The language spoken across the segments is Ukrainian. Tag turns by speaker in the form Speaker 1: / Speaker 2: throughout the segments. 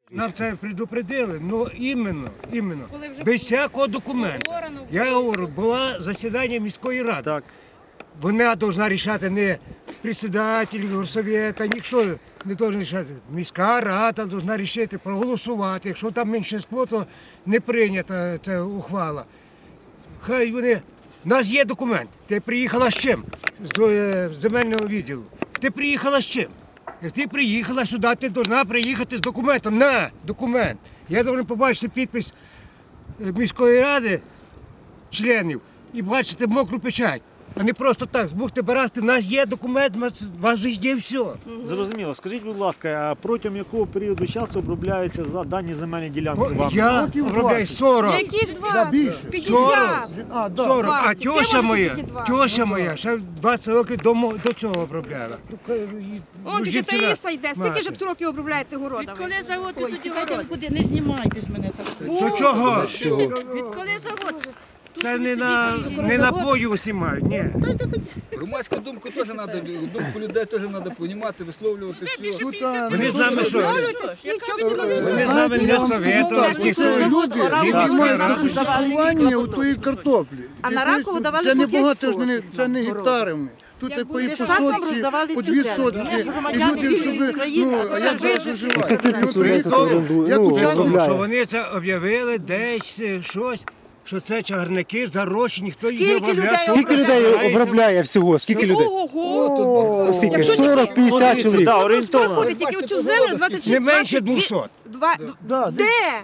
Speaker 1: Нам це предупредили, але іменно, без всякого документу. Я говорю, було засідання міської ради.
Speaker 2: Так.
Speaker 1: Вона повинна рішати не председатель горсовета, ніхто не повинен рішати. Міська рада повинна рішити, проголосувати. Якщо там меншинство, то не прийнята ця ухвала. Хай вони... У нас є документ. Ти приїхала з чим? З земельного відділу. Ти приїхала з чим? Як ти приїхала сюди, ти повинна приїхати з документом. На, документ. Я повинен побачити підпис міської ради, членів, і бачити мокру печать. А не просто так, збухти барасти, у нас є документ, у вас же є все.
Speaker 2: Зрозуміло. Скажіть, будь ласка, а протягом якого періоду часу обробляються дані земельні ділянки вами?
Speaker 1: Я обробляю 40.
Speaker 3: Яких 20?
Speaker 4: більше.
Speaker 3: 50.
Speaker 1: 40. А
Speaker 3: Ти
Speaker 1: тьоша моя, ще 20 років до цього обробляла.
Speaker 3: Он тільки Таїса йде. Скільки ж років обробляєте городами?
Speaker 5: Відколи завод, ти тоді
Speaker 6: Чекайте, ви
Speaker 5: город.
Speaker 6: куди, не знімайте з мене так.
Speaker 1: До чого?
Speaker 5: Відколи завод?
Speaker 1: Це не на бою усі мають, ні.
Speaker 4: Громадську думку теж треба, думку людей теж треба приймати, висловлювати все.
Speaker 1: Вони з нами що? Вони з нами не советували,
Speaker 7: Це люди, які мають
Speaker 1: ради.
Speaker 7: розпакування у тої картоплі.
Speaker 6: А на Ракову давали
Speaker 7: це не
Speaker 6: по 5
Speaker 7: багато,
Speaker 6: сотень.
Speaker 7: це не гектарами. Тут і по
Speaker 6: буде
Speaker 7: сотці,
Speaker 6: роздавали
Speaker 7: по 2
Speaker 6: цю
Speaker 7: сотці.
Speaker 6: землю.
Speaker 7: І
Speaker 6: Громадяни
Speaker 7: люди, щоб,
Speaker 6: України,
Speaker 7: а як зараз виживають?
Speaker 1: Як
Speaker 7: учасник,
Speaker 1: що вони це об'явили десь щось, що це чагарники зарощені, ніхто їх не обробляє.
Speaker 2: Скільки людей обробляє всього? Скільки людей?
Speaker 3: Ого!
Speaker 2: Скільки?
Speaker 3: Якщо
Speaker 2: 40-50 чоловік. Так, орієнтовно.
Speaker 3: Проходить тільки оцю землю 26...
Speaker 1: Не менше 200.
Speaker 3: Де?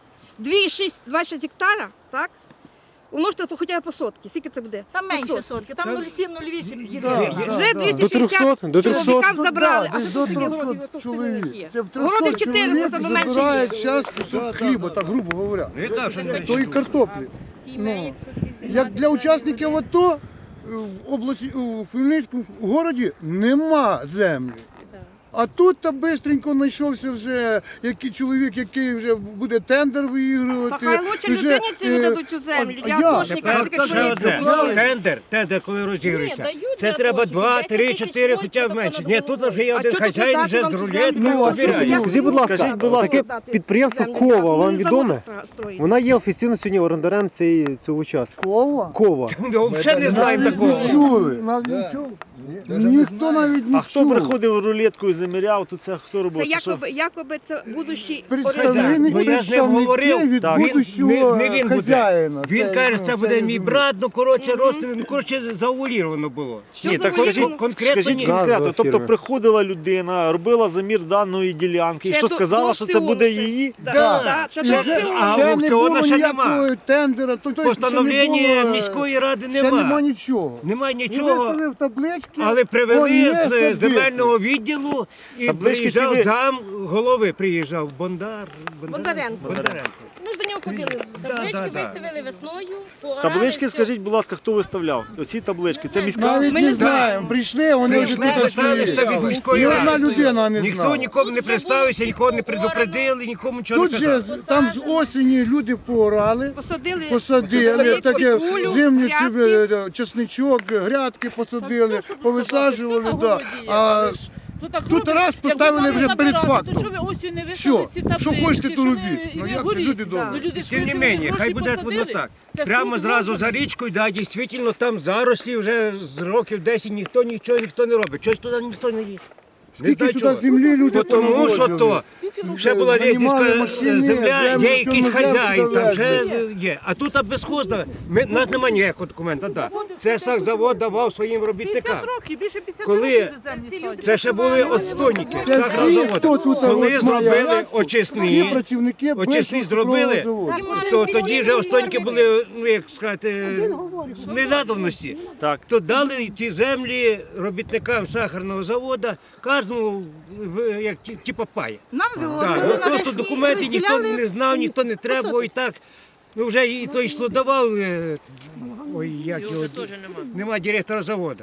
Speaker 3: 2,6 гектара, так? Умножте хоча б по сотки. Скільки це буде?
Speaker 6: Там менше сотки, там 0,7-0,8 їде.
Speaker 3: Вже 260
Speaker 2: До 300?
Speaker 3: чоловікам забрали. А
Speaker 7: десь
Speaker 3: що
Speaker 7: до
Speaker 3: це таке городів?
Speaker 7: 300 чоловік. Це в
Speaker 3: Городів
Speaker 7: 300
Speaker 3: 400,
Speaker 7: чоловік
Speaker 3: там менше
Speaker 7: забирають
Speaker 3: є.
Speaker 7: час кусок хліба, так грубо говоря.
Speaker 1: Не так, що не
Speaker 7: Тої картоплі. Ну, як для учасників АТО в області, у Хмельницькому городі нема землі. А тут та бистренько знайшовся вже який чоловік, який вже буде тендер
Speaker 3: Та
Speaker 7: виігрувати.
Speaker 3: хай лучше людині ці віддадуть цю землю. Я атошника,
Speaker 1: Тепер ще одне. Тендер, коли розігрується. Це треба 2, 3, 4, хоча б менше. Ні, тут вже є один хазяїн, вже з рулеткою обирає.
Speaker 2: Скажіть, будь ласка, таке підприємство Кова вам відоме? Вона є офіційно сьогодні орендарем цього участку.
Speaker 7: Кова?
Speaker 2: Кова.
Speaker 1: Взагалі не знаємо такого.
Speaker 7: Чули? Ніхто навіть не
Speaker 2: А хто
Speaker 7: чув.
Speaker 2: приходив рулеткою, заміряв, то це хто робив?
Speaker 3: Це якоби це будущий
Speaker 7: Представник
Speaker 1: Ну, я з ним говорив.
Speaker 7: від
Speaker 2: Так.
Speaker 7: будущого
Speaker 1: Не він буде.
Speaker 7: хазяїна.
Speaker 1: Він каже, це буде мій брат, ну коротше, зауваліровано було.
Speaker 2: Ні, так скажіть,
Speaker 1: конкретно
Speaker 2: скажіть
Speaker 1: ні.
Speaker 2: конкретно. Тобто приходила людина, робила замір даної ділянки, і
Speaker 3: Ще
Speaker 2: що
Speaker 3: до-
Speaker 2: сказала,
Speaker 3: до
Speaker 2: що це
Speaker 3: всього
Speaker 2: буде
Speaker 3: це.
Speaker 2: її?
Speaker 3: Так, що
Speaker 1: Ще-
Speaker 3: це всього.
Speaker 1: а
Speaker 7: Ще не
Speaker 1: аукціону
Speaker 7: було
Speaker 1: ще
Speaker 7: ніякого
Speaker 1: нема.
Speaker 7: тендера.
Speaker 1: Постановлення міської ради
Speaker 7: Ще нема
Speaker 1: нема.
Speaker 7: нічого.
Speaker 1: Немає
Speaker 7: І
Speaker 1: нічого.
Speaker 7: виставив таблички.
Speaker 1: Але
Speaker 7: он
Speaker 1: привели
Speaker 7: є
Speaker 1: з
Speaker 7: садити.
Speaker 1: земельного відділу і
Speaker 2: Таблички
Speaker 1: приїжджав
Speaker 2: ці ви-
Speaker 1: зам голови, приїжджав
Speaker 3: Бондаренко.
Speaker 1: Бондаренко.
Speaker 5: Ми ж до нього ходили. Таблички
Speaker 1: да.
Speaker 5: виставили весною.
Speaker 2: Таблички, скажіть, будь ласка, хто виставляв? Оці таблички, це міська?
Speaker 7: Навіть
Speaker 3: Ми
Speaker 7: не
Speaker 3: не
Speaker 7: знаємо. Прийшли, вони вже
Speaker 1: Прийшли,
Speaker 7: тут
Speaker 1: поставили ще від міської
Speaker 7: Ні одна
Speaker 1: ради.
Speaker 7: людина не
Speaker 1: Ніхто
Speaker 7: знала.
Speaker 1: нікому не представився, нікого не предупредили, нікому нічого
Speaker 7: Тут
Speaker 1: не
Speaker 7: же
Speaker 1: казали.
Speaker 7: там з осені люди поорали, посадили таке
Speaker 3: цибулю,
Speaker 7: зимню
Speaker 3: грядки.
Speaker 7: чесничок, грядки посадили, повисаджували. Да. А тут раз
Speaker 5: Як
Speaker 7: поставили
Speaker 5: ви
Speaker 7: вже
Speaker 5: мали
Speaker 7: перед
Speaker 5: забирати,
Speaker 7: фактом.
Speaker 5: то що ви осінь не
Speaker 7: Все,
Speaker 5: висадили ці
Speaker 7: що
Speaker 5: таблички,
Speaker 7: хочете, то
Speaker 5: що
Speaker 7: робіть.
Speaker 5: не-
Speaker 7: Ну
Speaker 5: не
Speaker 7: як це
Speaker 5: горіть.
Speaker 7: люди добрі?
Speaker 5: Ну, люди
Speaker 1: Тим не
Speaker 5: скільки
Speaker 1: менше, хай
Speaker 5: грошей
Speaker 1: буде воно
Speaker 5: посадили.
Speaker 1: так.
Speaker 5: Це
Speaker 1: Прямо
Speaker 5: круг
Speaker 1: зразу
Speaker 5: можна.
Speaker 1: за річкою, да, дійсно, там зарослі вже з років 10 ніхто не робить. Чогось туди ніхто не їде. Не
Speaker 7: Скільки
Speaker 1: знаю
Speaker 7: сюди
Speaker 1: чого.
Speaker 7: землі люди
Speaker 1: Тому що то ще була
Speaker 7: Нанімали
Speaker 1: рейдерська
Speaker 7: машини,
Speaker 1: земля,
Speaker 7: землю,
Speaker 1: є якийсь
Speaker 7: всьому
Speaker 1: хазяїн,
Speaker 7: землю
Speaker 1: там ще
Speaker 7: довезли.
Speaker 1: є. А тут безхозно, у нас немає ніякого документа. Да. Це сахзавод давав своїм робітникам.
Speaker 5: 50 років, більше 50
Speaker 1: Коли
Speaker 5: років за землі ставлять.
Speaker 1: це ще були отстойники
Speaker 7: Це всі,
Speaker 1: сахарозаводу.
Speaker 7: хто тут
Speaker 1: Коли
Speaker 7: от має
Speaker 1: зробили
Speaker 7: грядку, всі
Speaker 1: очисні
Speaker 7: працівники
Speaker 1: зробили,
Speaker 7: Бешківського заводу.
Speaker 1: то тоді вже остоньки були, ну як сказати, ненадобності.
Speaker 2: Так.
Speaker 1: То дали ці землі робітникам сахарного заводу, кожному як типа пай.
Speaker 6: Нам
Speaker 1: Так,
Speaker 6: вивозили
Speaker 1: ну,
Speaker 6: на
Speaker 1: просто
Speaker 6: весні,
Speaker 1: документи ніхто
Speaker 6: розділяли
Speaker 1: не знав, ніхто не треба, і так. Ну вже і той, що давав, ой, як його, нема директора заводу.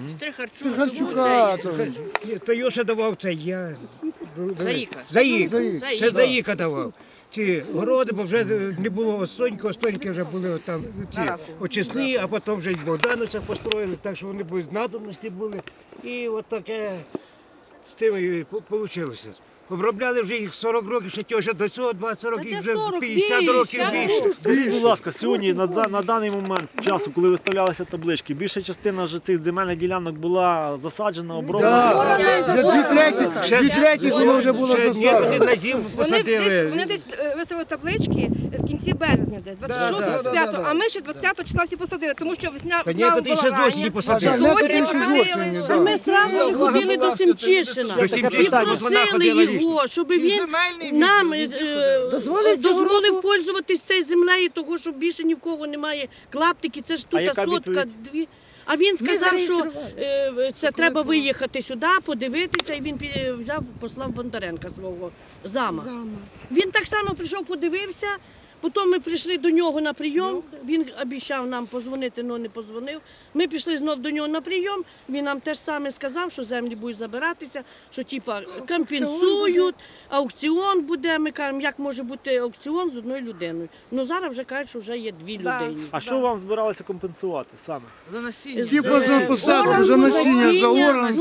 Speaker 7: Харчука.
Speaker 1: То його ще давав це я.
Speaker 5: Заїка.
Speaker 1: Заїка.
Speaker 7: Заїка.
Speaker 1: Це Заїка давав. Ці городи, бо вже не було остоньки вже були там ці очисні, а потім вже й Богдановця построїли, так що вони без надобності були. І от таке з тим і вийшло. Обробляли вже їх 40 років, ще тьоша до цього 20 років,
Speaker 3: Та
Speaker 1: вже
Speaker 3: 40
Speaker 1: 50 років більше.
Speaker 2: Скажіть, будь ласка, сьогодні на даний момент часу, коли виставлялися таблички, більша частина вже цих земельних ділянок була засаджена, оброблена.
Speaker 7: Вже дві треті воно вже було
Speaker 1: Ще
Speaker 7: засаджено.
Speaker 1: некоторі на зиму посадили.
Speaker 3: Вони десь виставили таблички в кінці березня десь, 26
Speaker 1: да,
Speaker 3: 25 а ми ще 20 числа всі посадили, тому що весня
Speaker 1: Та
Speaker 3: весна
Speaker 1: некоторі ще з осені посадили.
Speaker 7: Некоторі
Speaker 3: Осінь
Speaker 7: ще з
Speaker 3: посадили.
Speaker 7: осені,
Speaker 5: Та ми
Speaker 7: так.
Speaker 5: зразу ж ходили до Семчишина
Speaker 1: До
Speaker 5: і
Speaker 1: Семчишина, от вона
Speaker 5: просили
Speaker 1: ходила
Speaker 5: його, щоб він нам дозволив пользуватись цією землею, того, що більше ні в кого немає клаптики, це ж
Speaker 2: А
Speaker 5: тут
Speaker 2: яка
Speaker 5: сотка,
Speaker 2: відповідь?
Speaker 5: дві. А він сказав, що це треба виїхати сюди, подивитися, і він взяв, послав Бондаренка свого зама. Він так само прийшов, подивився, потім ми прийшли до нього на прийом, він обіцяв нам позвонити, але не позвонив. Ми пішли знов до нього на прийом, він нам теж саме сказав, що землі будуть забиратися, що типа компенсують, аукціон буде. Ми кажемо, як може бути аукціон з одною людиною. Ну зараз вже кажуть, що вже є дві
Speaker 3: Да.
Speaker 5: людини.
Speaker 2: А що вам збиралися компенсувати саме?
Speaker 7: Типа за посадку, за насіння, за орган.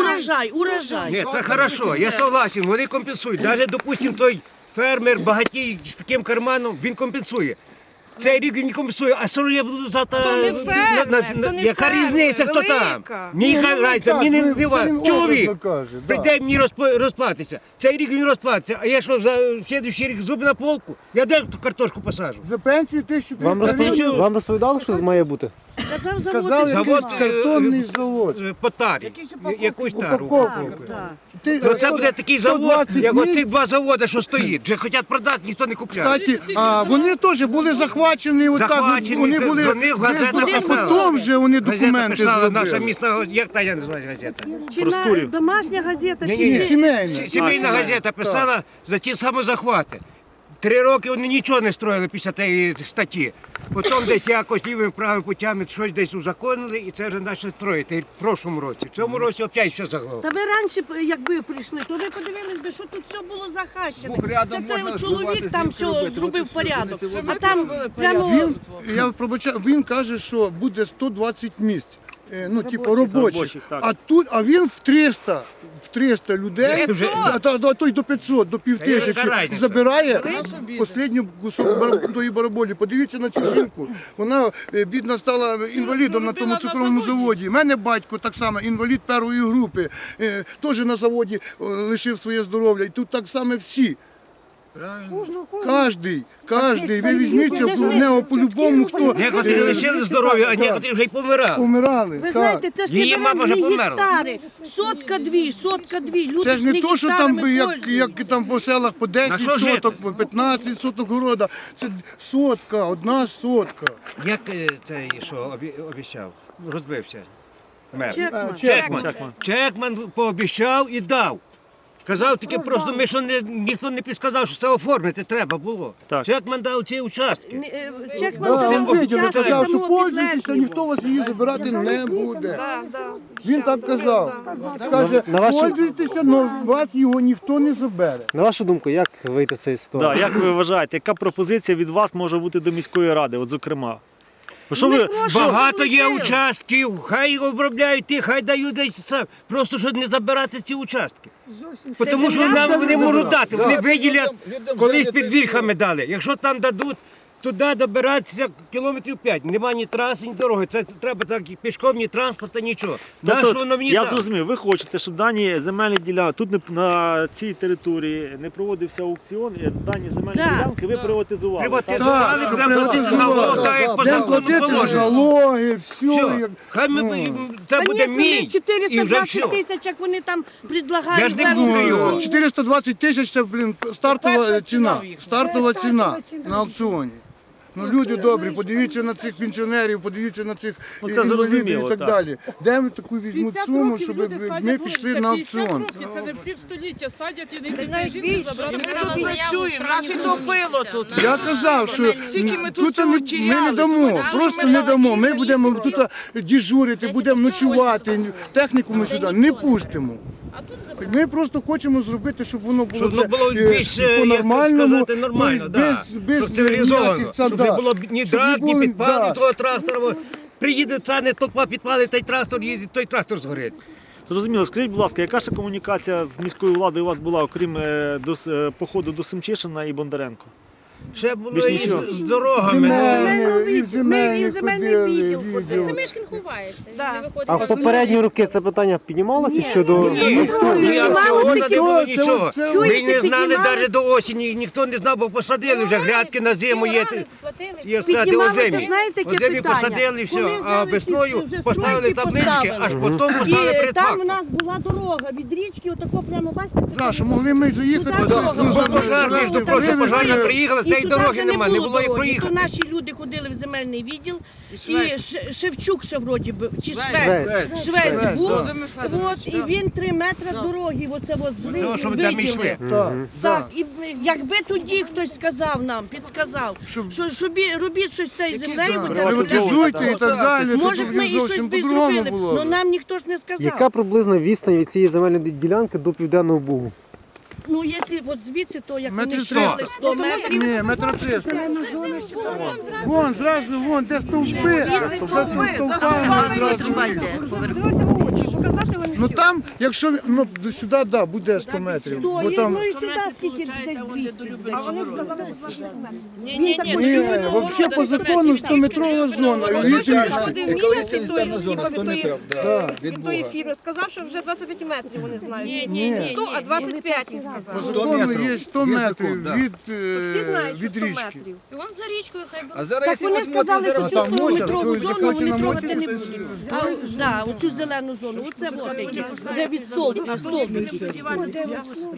Speaker 5: Урожай.
Speaker 1: Ні, це хорошо, я согласен, вони компенсують. Навіть, допустим, той фермер багатій з таким карманом, він компенсує. Цей рік він не компенсує, а що я буду завтра...
Speaker 3: То не фермер, то не
Speaker 1: яка
Speaker 3: фермер,
Speaker 1: різниця, хто
Speaker 3: велика.
Speaker 1: там? Мені разниця, мені не дива. Чоловік прийде мені розплатиться. Цей рік він розплатиться, а я що, за слідуючий рік зуби на полку? Я де ту картошку посажу?
Speaker 7: За пенсію 1300
Speaker 2: Вам розповідали, що має бути?
Speaker 5: Казав
Speaker 7: Казали,
Speaker 5: завод.
Speaker 1: Завод,
Speaker 7: якийсь картонний завод.
Speaker 1: По тарі, якусь тару.
Speaker 7: Упаковку.
Speaker 1: Ну це буде такий завод,
Speaker 7: 120
Speaker 1: як
Speaker 7: днів.
Speaker 1: оці два заводи, що стоїть. Вже хочуть продати, ніхто не купляє.
Speaker 7: Кстати, вони теж були захвачені, отак,
Speaker 1: Захвачені,
Speaker 7: вони були,
Speaker 1: вони в газетах
Speaker 7: а
Speaker 1: писали.
Speaker 7: потім вже вони
Speaker 1: Газета
Speaker 7: документи
Speaker 1: писала, наша
Speaker 7: зробили.
Speaker 1: місна, як та я називаю газета?
Speaker 5: Чи
Speaker 2: Проскурів.
Speaker 5: домашня газета, чи
Speaker 7: Ні, сімейна.
Speaker 1: Сімейна
Speaker 2: сімейна.
Speaker 1: газета писала за ті самозахвати. 3 роки вони нічого не строїли після тієї статті. Потім десь якось лівими правими путями щось десь узаконили і це вже почали строїти в прошлому році. В цьому році опять все заглохло.
Speaker 5: Та ви раніше, якби прийшли, то ви подивились би, що тут все було захащене.
Speaker 4: Бух рядом
Speaker 5: Це
Speaker 4: можна
Speaker 5: цей чоловік
Speaker 4: збивати,
Speaker 5: там
Speaker 4: знімки
Speaker 5: все
Speaker 4: робити,
Speaker 5: зробив
Speaker 4: от і все,
Speaker 5: порядок.
Speaker 4: вони
Speaker 5: А там прямо...
Speaker 7: Я пробачаю, він каже, що буде 120 місць. Ну, типу, робочих.
Speaker 2: Робочих, так.
Speaker 7: А він в 300 людей,
Speaker 1: Вже-
Speaker 7: а то й до 500, до
Speaker 1: Та яка
Speaker 7: 5000
Speaker 1: разниця?
Speaker 7: забирає останню кусок тої бараболі. Подивіться на цю жінку. Вона, бідна, стала інвалідом на тому цукровому заводі. У мене батько так само, інвалід першої групи, теж на заводі лишив своє здоров'я. І тут так само всі. Кожний, ви візьміться в нього по-любому, хто
Speaker 1: Некоторі лишили здоров'я, а некоторі вже й помирали.
Speaker 7: помирали.
Speaker 5: Ви
Speaker 7: так.
Speaker 5: знаєте, це ж
Speaker 1: Її
Speaker 5: не
Speaker 1: мама вже
Speaker 5: не
Speaker 1: померла.
Speaker 5: гектари. Сотка-дві. Люди
Speaker 7: Це ж не то, що там би, як
Speaker 5: пользуються.
Speaker 7: там по селах по
Speaker 1: На
Speaker 7: 10
Speaker 1: що жити?
Speaker 7: соток, по 15 соток города. Це сотка, одна сотка.
Speaker 1: Як цей, що обіцяв? Розбився. Мер.
Speaker 5: Чекман.
Speaker 1: Чекман пообіцяв і дав. Казав таке просто, ми що ніхто не підказав, що це оформити треба було.
Speaker 2: Так.
Speaker 1: Чекман дав ці участки.
Speaker 5: Чекман
Speaker 7: Да,
Speaker 5: це
Speaker 7: він видів,
Speaker 5: участок
Speaker 7: сказав, що
Speaker 5: самого
Speaker 7: пользуйтеся,
Speaker 5: підлеглого.
Speaker 7: ніхто вас її забирати не буде.
Speaker 3: Да, да.
Speaker 7: Він так казав. Каже,
Speaker 2: На вашу-
Speaker 7: пользуйтеся, але вас його ніхто не забере.
Speaker 2: На вашу думку, як вийти з цієї ситуації? Як ви вважаєте, яка пропозиція від вас може бути до міської ради, от зокрема? Бо що ви,
Speaker 1: Багато є участків, хай обробляють ті, хай дають десь сам. Просто щоб не забирати ці участки. Тому що нам вони можуть дати, вони виділять, колись під вільхами дали. Якщо там дадуть, туди добиратися кілометрів 5. Нема ні траси, ні дороги. Це треба так пішком, ні транспорту, нічого.
Speaker 2: Тобто,
Speaker 1: Нащо воно мені
Speaker 2: я
Speaker 1: так?
Speaker 2: зрозумів, ви хочете, щоб дані земельні ділянки, тут на цій території не проводився аукціон, і дані земельні
Speaker 5: Да.
Speaker 2: ділянки ви приватизували. так?
Speaker 1: Приватизували,
Speaker 7: Так,
Speaker 1: будемо платити налоги, так як по
Speaker 7: Будемо
Speaker 1: закону
Speaker 7: платити
Speaker 1: положено.
Speaker 7: налоги, все.
Speaker 1: Все, хай це буде
Speaker 5: Конечно,
Speaker 1: мій,
Speaker 5: ми
Speaker 1: і вже
Speaker 5: 420
Speaker 1: все.
Speaker 5: тисяч, як вони там предлагають.
Speaker 1: Я ж не
Speaker 5: верху.
Speaker 1: буду його.
Speaker 7: 420 тисяч це, стартова ціна. Стартова ціна на аукціоні. Ну, люди добрі, подивіться на цих пенсіонерів, подивіться на цих
Speaker 2: Ну, це
Speaker 7: інвалідів
Speaker 2: зрозуміло,
Speaker 7: і так
Speaker 2: так.
Speaker 7: далі. Де ми таку візьмуть суму, щоб ми пішли на аукціон?
Speaker 8: Це не півстоліття садять і не
Speaker 3: Ти
Speaker 8: йдуть
Speaker 3: знаєш,
Speaker 8: жінки
Speaker 3: більше.
Speaker 8: забрати.
Speaker 3: Ми
Speaker 8: Ми
Speaker 3: тут
Speaker 8: тут
Speaker 6: працюємо, нас і топило тут.
Speaker 7: Я казав, що
Speaker 8: Скільки ми тут
Speaker 7: тут
Speaker 8: цього
Speaker 7: ми не
Speaker 8: чияли,
Speaker 7: дамо,
Speaker 8: тут
Speaker 7: просто
Speaker 8: ми
Speaker 7: не дамо. Ми
Speaker 8: дали
Speaker 7: будемо
Speaker 8: їсти.
Speaker 7: тут дежурити, будемо ночувати, техніку ми сюди не пустимо. Ми просто хочемо зробити, щоб воно було,
Speaker 1: Щоб воно було
Speaker 7: вже,
Speaker 1: більш, як
Speaker 7: по-нормальному,
Speaker 1: сказати, нормально,
Speaker 7: тобто
Speaker 1: да. Щоб цивілізовано, щоб не було ні драк, ні підпалів того трактора. Приїде ця не толпа, підпалить той трактор, їде, той трактор згорить.
Speaker 2: Зрозуміло, скажіть, будь ласка, яка ще комунікація з міською владою у вас була, окрім походу до Семчишина і Бондаренко?
Speaker 1: Ще було
Speaker 2: Більш
Speaker 1: і
Speaker 2: нічого.
Speaker 1: з дорогами.
Speaker 7: І земельні
Speaker 5: земельний
Speaker 7: ходили,
Speaker 5: відділ
Speaker 7: відділ.
Speaker 8: Семишкін ховається. він
Speaker 3: Да.
Speaker 8: не виходить
Speaker 9: А
Speaker 8: на
Speaker 9: в попередні роки це питання піднімалося щодо...
Speaker 1: Ні, цього не було нічого.
Speaker 7: це-
Speaker 1: Ми не знали навіть до осені, ніхто не знав, бо посадили вже грядки на зиму є. Є сказати,
Speaker 5: Піднімалося,
Speaker 1: озимі.
Speaker 5: знаєте, яке
Speaker 1: Озимі
Speaker 5: питання?
Speaker 1: посадили все,
Speaker 5: Коли
Speaker 1: а
Speaker 5: взяли
Speaker 1: весною
Speaker 5: ці вже
Speaker 1: поставили
Speaker 5: стройки,
Speaker 1: таблички, аж потім поставили
Speaker 5: І
Speaker 1: перед
Speaker 5: там у
Speaker 1: фактом.
Speaker 5: нас була дорога від річки, отако прямо, бачите?
Speaker 7: Да, що могли ми заїхати.
Speaker 5: Туди дорога була.
Speaker 1: Пожарна,
Speaker 5: Ну,
Speaker 1: що
Speaker 5: там
Speaker 1: просто
Speaker 5: вже
Speaker 1: пожарна
Speaker 5: були.
Speaker 1: приїхала,
Speaker 5: І
Speaker 1: цієї
Speaker 5: туди
Speaker 1: дороги
Speaker 5: вже
Speaker 1: немає, не було і
Speaker 5: дороги.
Speaker 1: проїхати.
Speaker 5: То наші люди ходили в земельний відділ, і Шевчук ще вроді би, чи
Speaker 9: Швець.
Speaker 5: Швець був.
Speaker 7: да.
Speaker 5: От, і він 3 метри дороги, оце от
Speaker 1: Оце, щоб там йшли.
Speaker 7: Так,
Speaker 5: Так, і якби тоді хтось сказав нам, підсказав,
Speaker 7: Щоб-
Speaker 5: що робіть щось з цією землею, бо це
Speaker 7: приватизуйте і так далі,
Speaker 5: може
Speaker 7: то
Speaker 5: б ми і щось
Speaker 7: зовсім
Speaker 5: би
Speaker 7: по-другому
Speaker 5: зробили,
Speaker 7: було.
Speaker 5: але нам ніхто ж не сказав.
Speaker 9: Яка приблизна відстань від цієї земельної ділянки до Південного Бугу?
Speaker 5: Ну, якщо от звідси, то як
Speaker 7: Метрів
Speaker 5: вони йшли
Speaker 7: 300.
Speaker 5: 100 метрів,
Speaker 7: Ні, метро 300. Вон, зразу, вон, де стовпи, за стовпами зразу.
Speaker 3: Показати вони
Speaker 7: Ну
Speaker 3: всю.
Speaker 7: там, якщо, ну, до сюди, да, буде 100 метрів.
Speaker 5: то
Speaker 7: Бо
Speaker 5: і,
Speaker 7: там,
Speaker 5: ну і сюди скільки десь 200.
Speaker 3: А вони сказали, що 20 метрів.
Speaker 5: Ні,
Speaker 7: ні, взагалі по закону 100-метрова зона.
Speaker 3: Ходив місяць від тої,
Speaker 4: Санітарна зона,
Speaker 3: від
Speaker 4: хто не
Speaker 3: тої,
Speaker 4: прав,
Speaker 7: Да.
Speaker 4: да,
Speaker 3: від тої фірми. Сказав, що вже 25 метрів вони знають.
Speaker 7: Ні.
Speaker 3: 100, а 25 він
Speaker 7: По
Speaker 3: сказав.
Speaker 7: закону
Speaker 4: метрів.
Speaker 7: є 100
Speaker 4: Є
Speaker 7: метрів
Speaker 4: закон, да.
Speaker 7: від,
Speaker 3: Всі знають, що
Speaker 7: від
Speaker 3: 100
Speaker 7: річки.
Speaker 3: метрів.
Speaker 8: Вон за річкою хай беруть.
Speaker 4: А зараз,
Speaker 5: Так
Speaker 4: якщо
Speaker 5: вони
Speaker 4: ви смотрите,
Speaker 5: сказали, що
Speaker 4: зараз...
Speaker 7: там
Speaker 5: цю
Speaker 7: моча,
Speaker 5: метрову
Speaker 7: хтось
Speaker 5: зону
Speaker 7: захоче
Speaker 5: вони
Speaker 7: на
Speaker 5: трогати
Speaker 7: мочі,
Speaker 5: не
Speaker 7: то
Speaker 5: будуть. Да, оцю зелену зону, оце вот таке, де від столбика, столбики.